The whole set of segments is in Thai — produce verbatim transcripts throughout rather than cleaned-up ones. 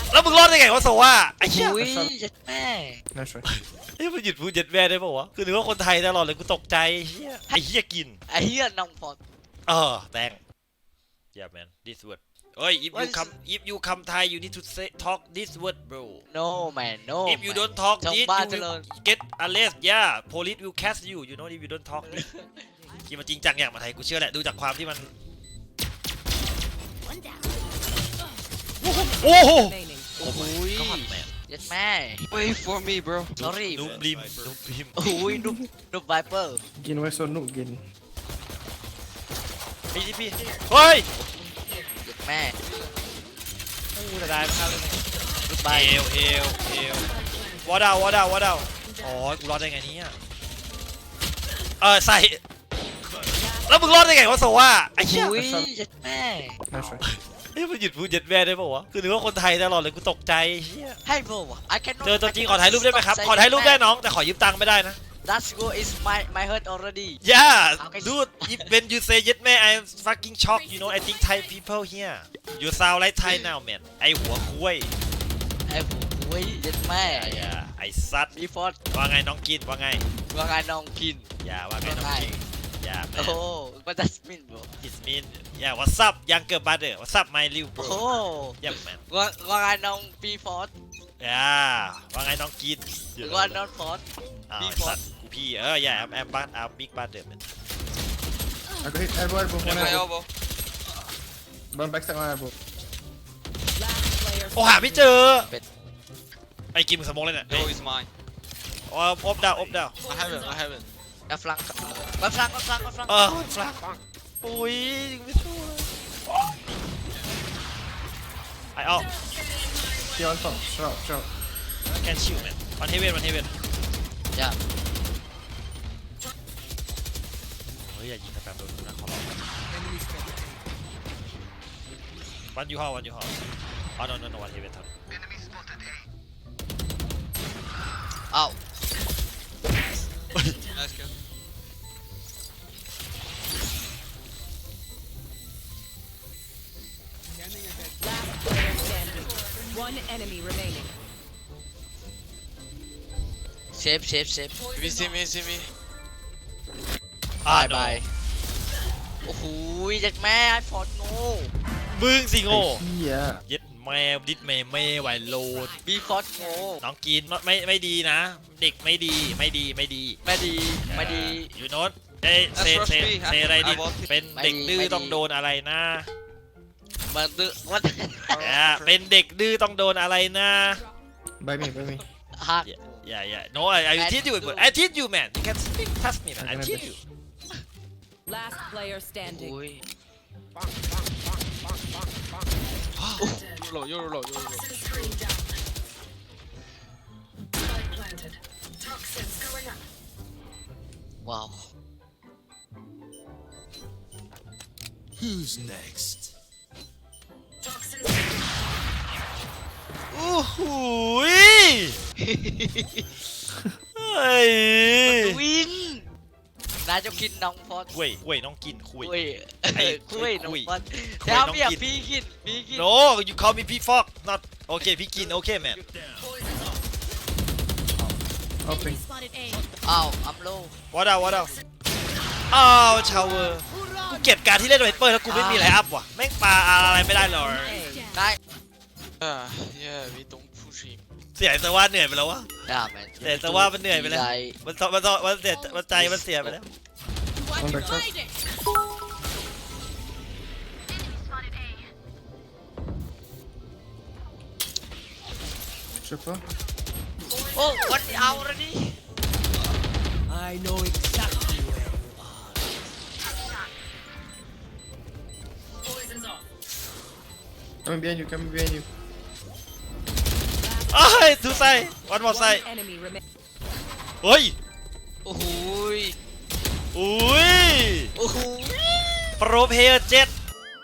แล้วมึงรอดได้ไงวะโซว่าไอ้เหี้ยอุ้ยยัดแม่ Nice try. เฮ้ยมันหยุดพูดเจ็ดแม่ได้ป่าวะคือนึกว่าคนไทยตลอดเลยกูตกใจไอ้เหี้ยไอ้เหี้ยกินไอ้เหี้ยน้องฟอดเออแตง yeah man this word เฮ้ย if you What is- come if you come Thai you need to say talk this word bro no man no if you man. don't talk ชาว this บ้าน you เจริญ will get arrest yeah police will catch you you know if you don't talk this ที่มันจริงจังอย่างมาไทยกูเชื่อแหละดูจากความที่มันโอ้โห remaining. โอ้โหอุ้ย God man ยัดแม่ Wait for me, bro. sorry นุบลิมนุบลิมอุ้ยนุบนุบไวเปอร์ Gin why so no gin. พี่ที่พี่เฮ้ยยัดแม่อู้แต่ได้ไม่เข้าเลยนุบไวเอวเอวเอววอดาววอดาววอดาวอ๋อกูรอดได้ไงเนี่ยเออใส่แล้วมึงรอดได้ไงวะโซว่าไอ้เหี้ยอุ้ยยัดแม่ Nice try. เฮ้ยมันหยุดพูดเจ็ดแม่ได้ป่าวะคือนึกว่าคนไทยตลอดเลยกูตกใจไอ้เหี้ยให้โบวะ I cannot เจอตัวจริงขอถ่ายรูปได้ไหมครับขอถ่ายรูปได้น้องแต่ขอยืมตังค์ไม่ได้นะ That's go is my my hurt already Yeah Okay. dude if when you say เจ็ดแม่ I'm fucking shocked you know I think Thai people here you sound like Thai now man ไอหัวคุ้ยไอ้ผมอุ้ยยัดแม่ไอ้อะไอซัดมีฟอดว่าไงน้องกินว่าไงว่าไงน้องกินอย่าว่าไงน้องกินอย่าโอ้ man what does mean bro It mean yeah what's up younger brother what's up my little โอ้ bro yeah man ว่าว่าไงน้องปีฟอด yeah ว่าไงน้องกินหรือว่าน้องฟอดอ้าว Big ไอ้สัตว์กูพี่เออ yeah I'm I'm but I'm big brother man I got hit elbow, elbow, one My elbow. elbow. One backside, one elbow. Last player โอ้หาไม่เจอเป็ดไอ้กิมสมองเลยเนี่ย No, it's mine. อ๋ออบดาวอบดาว I haven't. I haven't. กระฟลังกระฟลังกระฟลังกระฟลังเออฟลักโอ้ยยิงไม่สู้เลยไอ้ออก He on top. Shut up, shut up. แคนชิวแมนวันเทเวนวันเทเวนอย่าเฮ้ยอย่ายิงกระแปมโดนกูนะขอร้องวันยูฮอวันยูฮออ๋อ no no no วันเทเวนทันเอ้า Nice kill. Last player standing. One enemy remaining. เชฟเชฟเชฟ Me see me see me. อ่าบายบายโอ้โหยัดแม่ไอ้ฟอดโง่มึงสิโง่ Yeah. เย็ดแม่ดิดแม่แม่ไหวโลดบีฟอดโง่น้องกินไม่ไม่ดีนะ เด็กไม่ดีไม่ดีไม่ดีไม่ดีไม่ดียูโนตเอ้ยเซเซเซอะไรดิเป็นเด็กดื้อต้องโดนอะไรนะมันดื้อวัดอ่าเป็นเด็กดื้อต้องโดนอะไรนะ By me, by me. ฮัก Yeah yeah no I I teach you I teach you man you can speak trust me man I teach you Last player standing. อุ้ย You're low. You're low. You're low. Toxins going up. ว้าว Who's next? Toxins. โอ้โหเฮ้ยวินนายจะกินน้องฟอดคุยคุยน้องกินคุยคุยไอ้คุยน้องคุยฟอดคุยเดี๋ยวน้องเมียกินพี่กินพี่กิน no you call me P Fox not okay พี่กิน okay man Open. อ้าวอัมโล what up what up อ้าวชาวเวอร์กูเกลียดการที่เล่นไวเปอร์แล้วกูไม่มีอะไรอัพว่ะแม่งปลาอะไรไม่ได้เลยนาย Yeah. Yeah. We don't push him. เสียแต่ว่าเหนื่อยไปแล้ววะด่าแมนแต่แต่ว่ามันเหนื่อยไปแล้ว มันตมันตมันเสียมันใจมันเสียไปแล้ว One backside. Triple. โอ้วันเอาแล้วนี่ I know exactly where you are. Poison's off. Coming behind you, coming behind you. เอ้ยทูไซวันมอไซ One enemy remaining. เฮ้ยโอ้โหยอุ้ยโอ้โหยโปรเพย์เจ็ด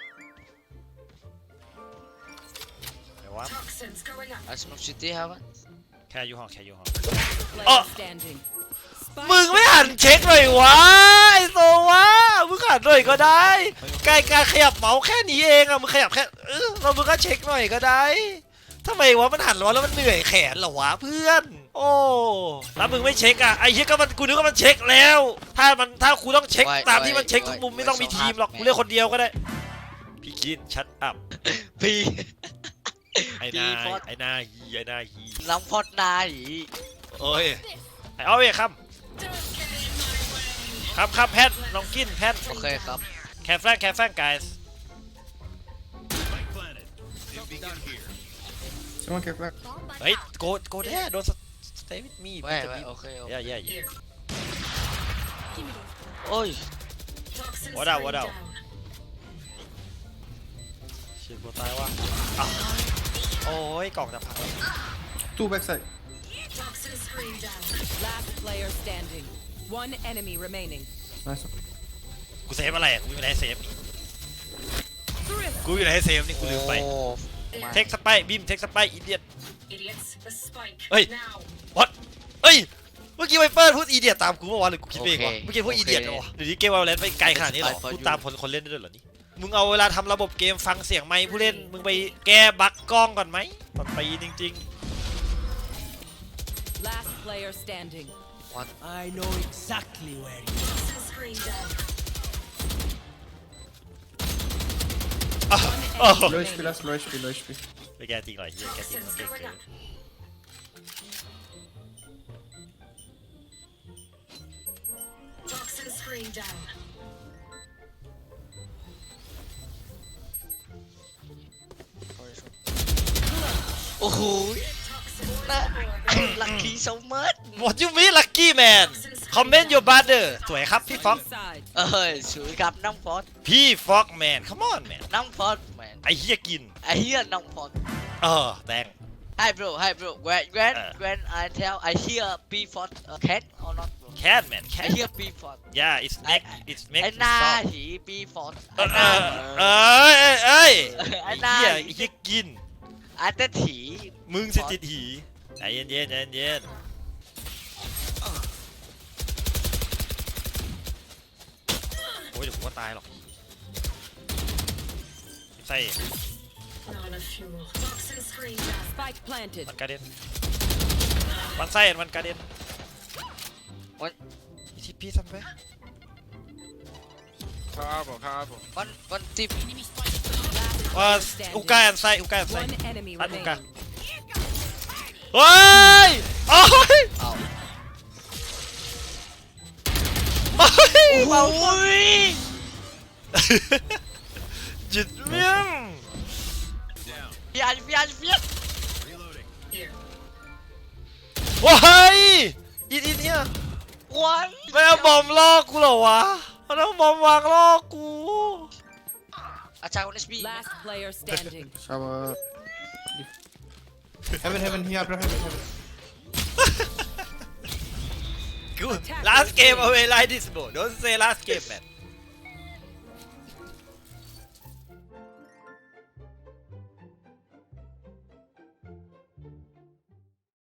ไหนวะ Toxins going up. อาสมุทรซิตี้ครับแค่ยูฮอแค่ยูฮอ Player Oh. standing. มึงไม่หันเช็คหน่อยวะไอโซวะมึงหันหน่อยก็ได้ใกล้การขยับเมาส์แค่นี้เองอะมึงขยับแค่เออเรามึงก็เช็คหน่อยก็ได้ทำไมวะมันหันร้อนแล้วมันเหนื่อยแขนเหรอวะเพื่อน โอ้แล้วมึงไม่เช็คอ่ะไอ้เหี้ยก็มันกูนึกว่ามันเช็คแล้ว ถ้ามันถ้ากูต้องเช็คตามที่มันเช็คทุกมุมไม่ต้องมีทีมหรอกกูเลือกคนเดียวก็ได้พี่กินชัดอัพพี่ไอ้นายไอ้นายฮีไอ้นายฮีน้องพอดนายโอ้ยไอ้เอาเว้ยครับครับครับแพทน้องกินแพทโอเคครับแคฟแฟงแคฟแฟง guys Someone get back. เฮ้ย go go there don't stay with me ไม่ไม่โอเคโอเค yeah yeah yeah Here. โอ้ย Toxin What out, screen what out? down. เชี่ยกูตายว่ะอ้าวโอ้ยกล่องจะพัง Two backside. Toxin screen down. Last player standing. One enemy remaining. Nice one. กูเซฟอะไรอ่ะกูอยู่ในเซฟนี่กูอยู่ในเซฟนี่กูลืมไปโอ้เทคสไปบิมเทคสไปอีเดียต Idiots, the spike. Hey. Now. what เอ้ยเมื่อกี้ไวเปอร์พูดอีเดียตตามกูเมื่อวานหรือกูคิดเองวะเมื่อกี้พูดอีเดียตเหรอวะเดี๋ยวนี้เกมวาโลแรนต์ไปไกลขนาดนี้เหรอพูดตามคนคนเล่นได้ด้วยเหรอนี่มึงเอาเวลาทำระบบเกมฟังเสียงไมค์ผู้เล่นมึงไปแก้บั๊กกล้องก่อนไหมตอนปีจริง Last player standing. I know exactly where you Toxin screen down. ๆอ้าวอ้าว Low H P last, low H P, low H P. ไปแก้จริงหน่อยเฮียแก้จริง Toxins มันเก่ง going เกิน up. Toxin screen down. โอ้โห Toxin น่าลัคกี้โซมัส What you mean lucky man comment your brother สวยครับพี่ฟ็อก Side. เอ้ยสวยกับน้องพอดพี่ฟ็อกแมน come on man น้องพอดแมนไอ้เฮียกินไอ้เหี้ยน้องพอดเออแดง Hi bro Hi bro when when Uh. when I tell I hear B for uh, cat or not bro cat man I cat hear B for yeah it's make it's make ไอ้ you หน้า stop หี B for เอไอ้อหเอน้าอเอ้ยเอ้ยเอ้ยไอ้ไอ้หน้าเหี้ยไอ้เหี้ยกินไอ้เต้ถีมึงสิติดหีใจเย็นเย็นใจเย็นโอ้ยเดี๋ยวผมก็ตายหรอกใส่ Not a fuel. Toxin screen down. Spike planted. มันกระเด็นมันใส่มันกระเด็นอีทีพีซัมไปข้าวบอกข้าวบอกวันวันที่ว่า Last อุ standing. กาอันไซอุกาอันไซ One enemy อันอุกา remaining. เฮ้ยโอ้ยเอาโอ้ยโอ้ยจิตเมี่ยงพี่อันพี่อันพี่อัน Here. ว้ายอีอีเนี่ยวันไม่เอาบอมล่อกูเหรอวะมันเอาบอมวางล่อกูอาจารย์วันนี้บี Last player standing. Shower. Heaven, heaven, here, bro, heaven, heaven. กู last game away like this bro don't say last game man